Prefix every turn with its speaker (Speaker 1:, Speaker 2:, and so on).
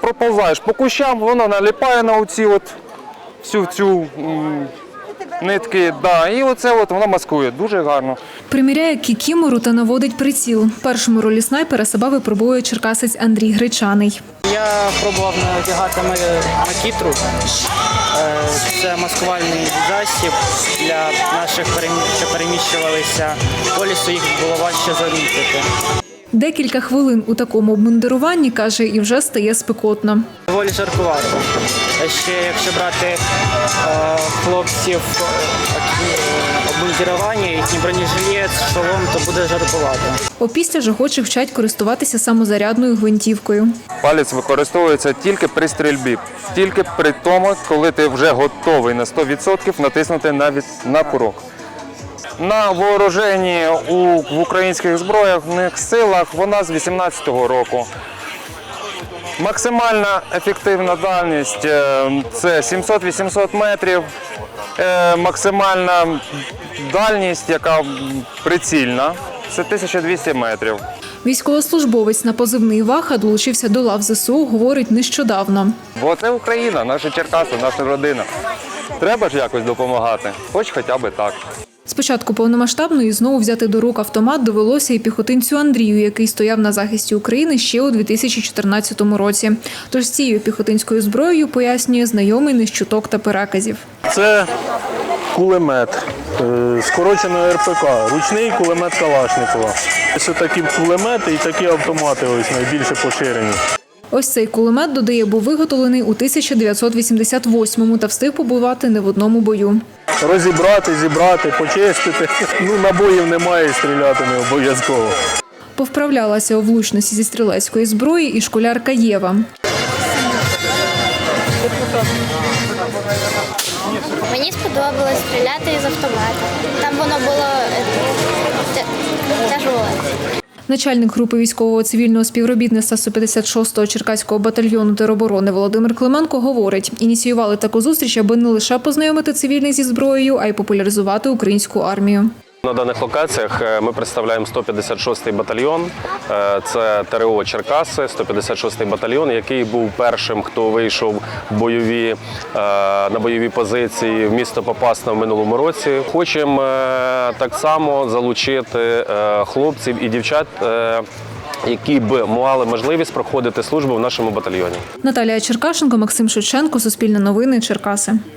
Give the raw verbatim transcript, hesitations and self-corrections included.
Speaker 1: проповзаєш по кущам, воно наліпає на оці от всю цю м, нитки. Да, і оце от воно маскує. Дуже гарно.
Speaker 2: Приміряє кікімору та наводить приціл. Першому ролі снайпера себе випробує черкасець Андрій Гречаний.
Speaker 3: Я пробував надягати макітру. Це маскувальний засіб для наших, що переміщувалися по лісу, їх було важче замітити.
Speaker 2: Декілька хвилин у такому обмундируванні, каже, і вже стає спекотно.
Speaker 3: Доволі жаркувато. Ще якщо брати е, хлопців обмундирування, їхній бронежилет, шолом, то буде жаркувато.
Speaker 2: Опісля ж охочих вчать користуватися самозарядною гвинтівкою.
Speaker 1: Палець використовується тільки при стрільбі, тільки при тому, коли ти вже готовий на сто відсотків натиснути на, від... на курок. На вооруженні у, в українських збройних силах вона з вісімнадцятого року. Максимальна ефективна дальність – це сімсот-вісімсот метрів. Максимальна дальність, яка прицільна, це тисяча двісті метрів.
Speaker 2: Військовослужбовець на позивний «Ваха» долучився до лав ЗСУ, говорить, нещодавно.
Speaker 1: Бо це Україна, наша Черкаси, наша родина. Треба ж якось допомагати, хоч хоча б так.
Speaker 2: Спочатку повномасштабної знову взяти до рук автомат довелося і піхотинцю Андрію, який стояв на захисті України ще у дві тисячі чотирнадцятому році. Тож з цією піхотинською зброєю, пояснює, знайомий не з чуток та переказів.
Speaker 4: Це кулемет, скорочено ер пе ка, ручний кулемет Калашникова. Це такі кулемети і такі автомати ось найбільше поширені.
Speaker 2: Ось цей кулемет, додає, був виготовлений у тисяча дев'ятсот вісімдесят восьмому та встиг побувати не в одному бою.
Speaker 4: Розібрати, зібрати, почистити. Ну, набоїв немає, стріляти не обов'язково.
Speaker 2: Повправлялася у влучності зі стрілецької зброї і школярка Єва.
Speaker 5: Мені сподобалось стріляти із автомата. Там воно було тяжеле.
Speaker 2: Начальник групи військового цивільного співробітництва сто п'ятдесят шостого Черкаського батальйону тероборони Володимир Клименко говорить, ініціювали таку зустріч, аби не лише познайомити цивільних зі зброєю, а й популяризувати українську армію.
Speaker 6: На даних локаціях ми представляємо сто п'ятдесят шостий батальйон, це те ер о Черкаси, сто п'ятдесят шостий батальйон, який був першим, хто вийшов бойові, на бойові позиції в місто Попасна в минулому році. Хочемо так само залучити хлопців і дівчат, які б мали можливість проходити службу в нашому батальйоні.
Speaker 2: Наталія Черкашенко, Максим Шевченко, Суспільне новини, Черкаси.